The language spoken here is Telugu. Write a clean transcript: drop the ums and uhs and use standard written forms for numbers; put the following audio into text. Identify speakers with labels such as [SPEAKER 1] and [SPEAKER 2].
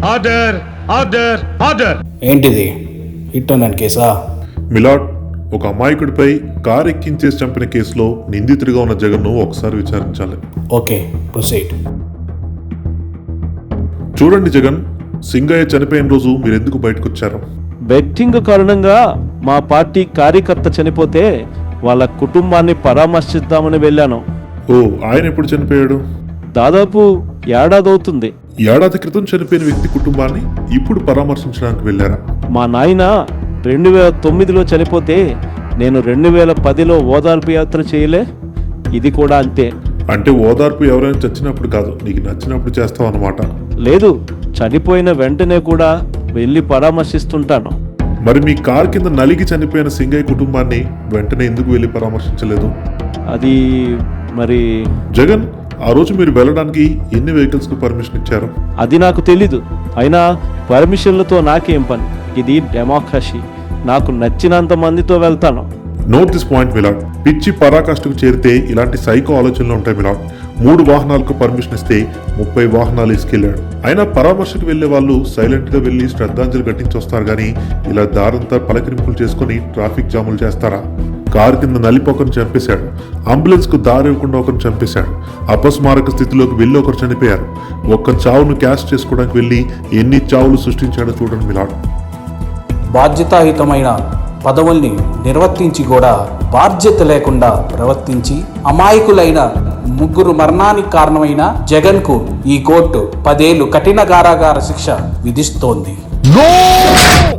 [SPEAKER 1] Order order order.
[SPEAKER 2] ఏంటిది హిట్ అన్నాను కేసా?
[SPEAKER 3] మిలాడ్, ఒక అమాయకుడిపై కారు ఎక్కించేసి చంపిన కేసులో నిందితుడిగా ఉన్న జగన్ను ఒకసారి విచారించాలి.
[SPEAKER 2] Okay, proceed.
[SPEAKER 3] చూడండి జగన్, సింగయ్య చనిపోయిన రోజు మీరు ఎందుకు బయటకు వచ్చారు?
[SPEAKER 4] బెట్టింగ్ కారణంగా మా పార్టీ కార్యకర్త చనిపోతే వాళ్ళ కుటుంబాన్ని పరామర్శిద్దామని వెళ్ళాను.
[SPEAKER 3] ఓ, ఆయన ఎప్పుడు చనిపోయాడు?
[SPEAKER 4] దాదాపు ఏడాది అవుతుంది.
[SPEAKER 3] ఏడాది క్రితం చనిపోయిన వ్యక్తి కుటుంబాన్ని ఇప్పుడు పరామర్శించడానికి వెళ్ళారా?
[SPEAKER 4] మా నాయన 2009లో చనిపోతే నేను 2010లో ఓదార్పు యాత్ర చేయలే. ఇది కూడా అంతే.
[SPEAKER 3] అంటే ఓదార్పు ఎవరైనా చచ్చినప్పుడు కాదు, నీకు నచ్చినప్పుడు చేస్తావు అన్నమాట.
[SPEAKER 4] లేదు, చనిపోయిన వెంటనే కూడా వెళ్ళి పరామర్శిస్తుంటాను.
[SPEAKER 3] మరి మీ కారు కింద నలిగి చనిపోయిన సింగయ్య కుటుంబాన్ని వెంటనే ఎందుకు వెళ్ళి పరామర్శించలేదు?
[SPEAKER 4] అది మరి
[SPEAKER 3] జగన్, ఆ రోజు మీరు వెళ్ళడానికి ఎన్ని వెహికల్స్ కు పర్మిషన్ ఇచ్చారు?
[SPEAKER 4] అది నాకు తెలీదు. అయినా పర్మిషన్లతో నాకేం పని? ఇది డెమోక్రసీ. నాకు నచ్చినంత మందితో వెళ్తాను.
[SPEAKER 3] Note this point milord. పిచ్చి పరాకాష్ఠకు చేరితే ఇలాంటి సైకో ఆలోచనలు ఉంటాయి మిలాడ్. 3 వాహనాలకు పర్మిషన్ ఇస్తే 30 వాహనాలు ఇసుకెళ్లాడు. అయినా పరామర్శకు వెళ్లే వాళ్ళు సైలెంట్ గా వెళ్లి శ్రద్ధాంజలి ఘటించి వస్తారు గానీ ఇలా దారంతా పలకరింపులు చేసుకుని ట్రాఫిక్ జాములు చేస్తారా? కారు కింద నలిపోకను చంపేశాడు. అంబులెన్స్ కు దారి ఇవ్వకుండా ఒకరిని చంపేశాడు. అపస్మారక స్థితిలోకి వెళ్లి ఒకరు చనిపోయారు. ఒక్క చావును క్యాష్ చేసుకోవడానికి వెళ్లి ఎన్ని చావులు సృష్టించాడో చూడండి మిలాడ్.
[SPEAKER 2] బాధ్యతాయుతమైన పదవుల్ని నిర్వర్తించి కూడా బాధ్యత లేకుండా ప్రవర్తించి అమాయకులైన 3 మరణానికి కారణమైన జగన్కు ఈ కోర్టు 10 ఏళ్లు కఠిన కారాగార శిక్ష విధిస్తోంది.